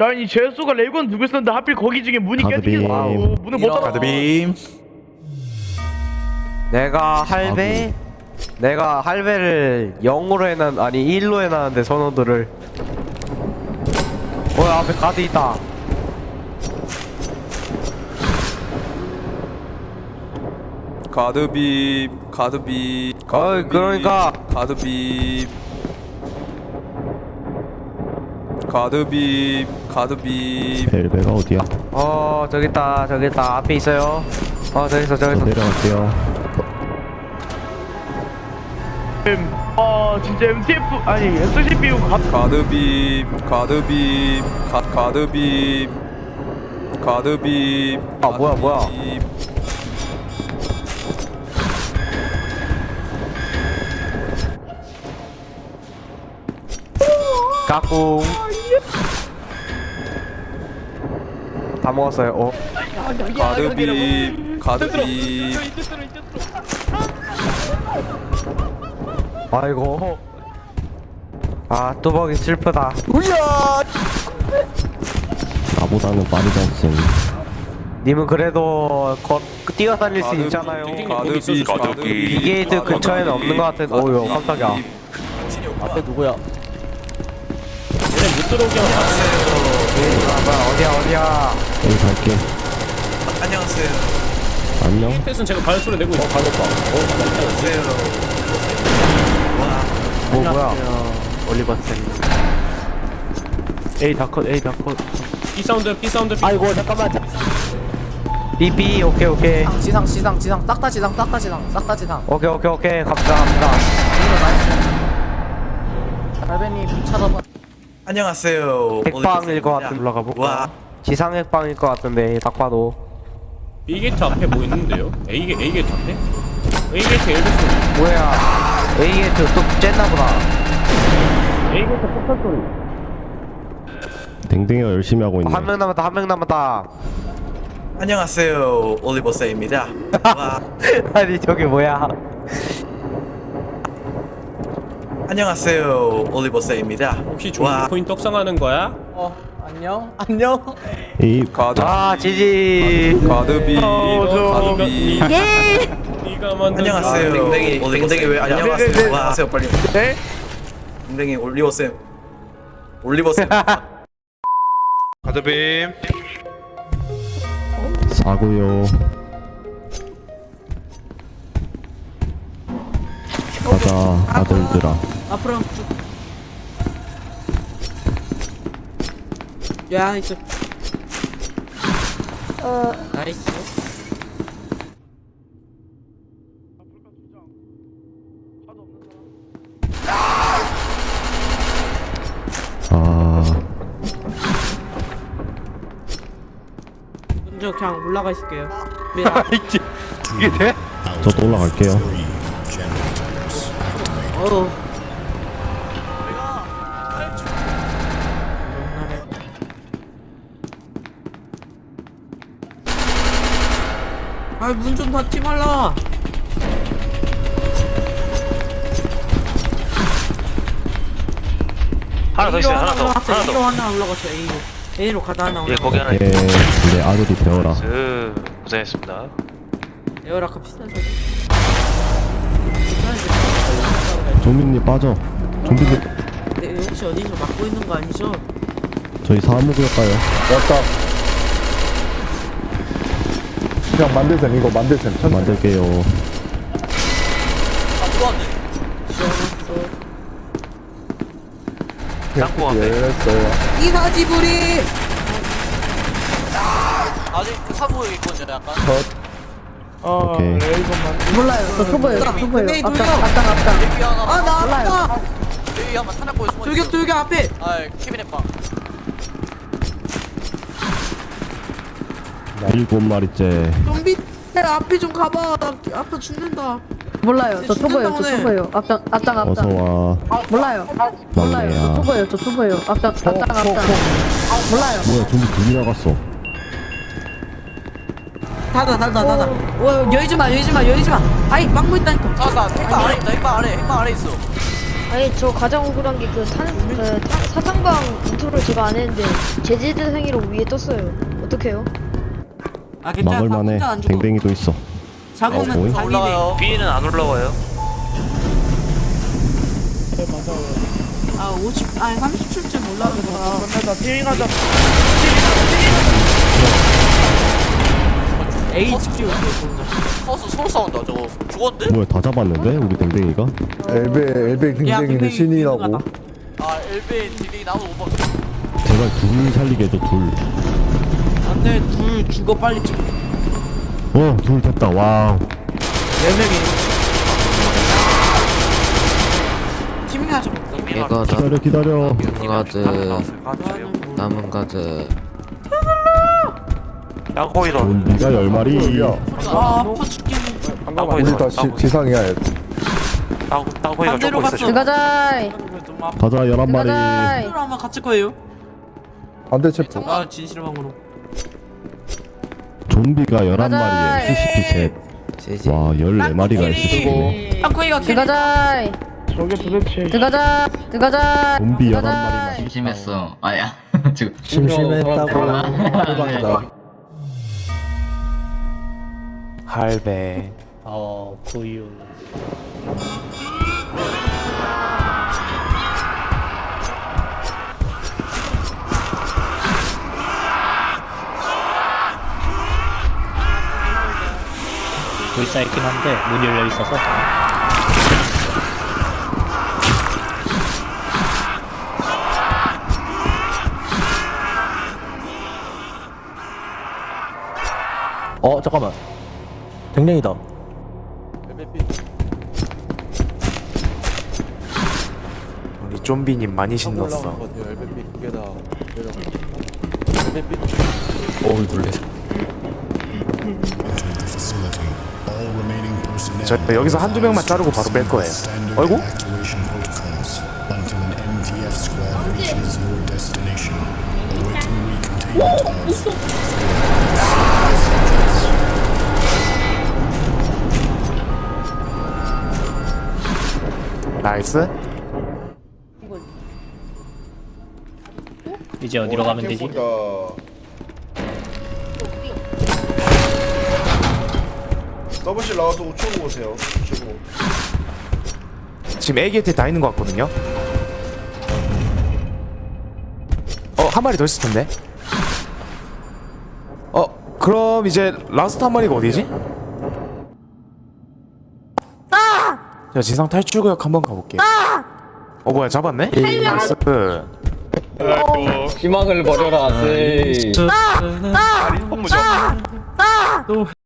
아니 제수가 레이건 두고 있었는데 하필 거기 중에 문이 깨지게 문을 못 닫아. 가드빔. 내가 할배를 0으로 해놨 아니 1로 해놨는데 선호도를. 앞에 가드 있다. 가드빔. 그러니까 가드빔. 벨베가 어디야? 저기 있다 앞에 있어요. 저기 있어. 내려갈게요. 진짜 MTF 아니 SCPU 가드빔. 뭐야. 까꿍. 다 먹었어요. 가드빔. 아이고. 뚜벅이 슬프다. 나보다는 빠르지 않음. 님은 그래도 뛰어다닐 수 있잖아요. 가드빔. 비게이트 근처에는 없는 것 같은. 오유 깜짝이야. 앞에 누구야? 얘네 못 들어오게 하면 어디야? 여기 갈게. 안녕하세요. 안녕. 는 제가 발소리 내고 있어. 뭐야? 올리버 쌤. A 다컷. B 사운드. 아이고 잠깐만. BB 오케이. 지상 싹 다 지상. 오케이 갑시다. 할배님 찾아봐. 안녕하세요. 핵방일 것 같은. 올라가 볼까? 지상 핵방일 것 같은데 딱 봐도. B 게이트 앞에 뭐 있는데요? A 게이트 앞에? A 게이트 엘베 소리. 뭐야? A 게이트 또 쨌나 보다. A 게이트 폭탄 소리. 댕댕이가 열심히 하고 있네. 한 명 남았다. 안녕하세요. 올리버 세입니다. 아니 저게 뭐야? 안녕하세요. 올리버 세입니다. 혹시 좋은 포인트 떡상하는 거야? 안녕. 이 지지. 가드빔. 네가 만든. 안녕하세요. 댕댕이 왜 안녕하세요. 안녕하세요. 빨리. 네? 댕댕이 올리버 쌤. 가드빔. 사고요. 가자 아들들아. 앞으로 쭉. 야 있어. 나이스. 먼저 그냥 올라가 있을게요. 이게 돼? 저도 올라갈게요. 문 좀 닫지 말라. 하나 더 있어요. 하나 더. A로 하나 올라갔어. A로 가다 하나 올라갔어. 거기 하나 예, 내 아들이 되어라. 고생했습니다. 에어라 갑시다. 좀비님 빠져. 좀비님 혹시 어디서 막고 있는 거 아니죠? 저희 사무구역가요. 그냥 만들셈 이거 만들셈 천천히. 만들게요. 땅콩 앞에. 열었어요. 이사지불이. 아직 그 사무에 있거든요, 약간. 오케이. 몰라요. 저 초보예요. 네, 앞장. 여기 하나. 나 아파. 여기 한번 탄약고에 숨어 있어. 돌격 앞에. 캐비넷 방. 7마리째. 좀비 앞에 좀 가봐. 나 아파 죽는다. 몰라요. 저 초보예요. 앞장. 어서와. 몰라요. 막내야. 저 초보예요. 앞장. 몰라요. 뭐야 좀비 둘이 나갔어. 닫아. 열지 마. 아이 막고 있다니까. 핵방 아래 있다. 핵방 아래 있어. 아니 저 가장 억울한 게 사탕방 인트로를 제가 안 했는데 제재대상으로 위에 떴어요. 어떡해요? 아 괜찮아. 막을만해. 혼자 안 죽어. 댕댕이도 있어. 잡으면 어이? 달리네. 올라가요. 위에는 안 올라와요. 아 50, 아니 37쯤 올라가더라. 끝내자 피행하자. HQ 허수 서로 싸운다 저거. 죽었는데? 뭐야, 다 잡았는데? 우리 댕댕이가? 엘베 댕댕이는 신이라고. 아 엘베인 딜이 나도 못 봤어. 제발 둘 살리게 해줘, 둘. 안돼 둘 죽어 빨리 찍어. 둘 됐다, 와우. 4명이. 팀이 하자. 이거 기다려. 가드 남은 가드 좀비가 10마리. 아 아파 죽겠네. 우리 다 지상이야. 반대로 갔어. 들어가자. 가자, 11마리. 반대로 아마 갇힐 거예요. 안돼 체포. 아 진실방으로. 좀비가 가자. 11마리에 SCP 셋. 와, 14마리가 SCP. 땅콩이가 들어가자. 저게 도대체. 들어가자. 들어가자. 좀비 들어가자. 11마리만. 심심했어. 아야 지금 심심했다고. 할배. 구유. 불사 있긴 한데 문이 열려 있어서. 잠깐만. 댕댕이다. 우리 좀비님 많이 신났어. 저 여기서 한두 명만 자르고 바로 뺄 거예요. 어이구? 나이스. 이제 어디로 가면 되지? 서버실 나와서 우측으로 오세요. 우측으로. 지금 A 게이트에 다 있는 것 같거든요. 한 마리 더 있을 텐데. 그럼 이제 라스트 한 마리가 어디지? 자, 지상 탈출구역 한번 가볼게요. 뭐야, 잡았네? 나이스. 희망을 버려라. 리폼 무죠.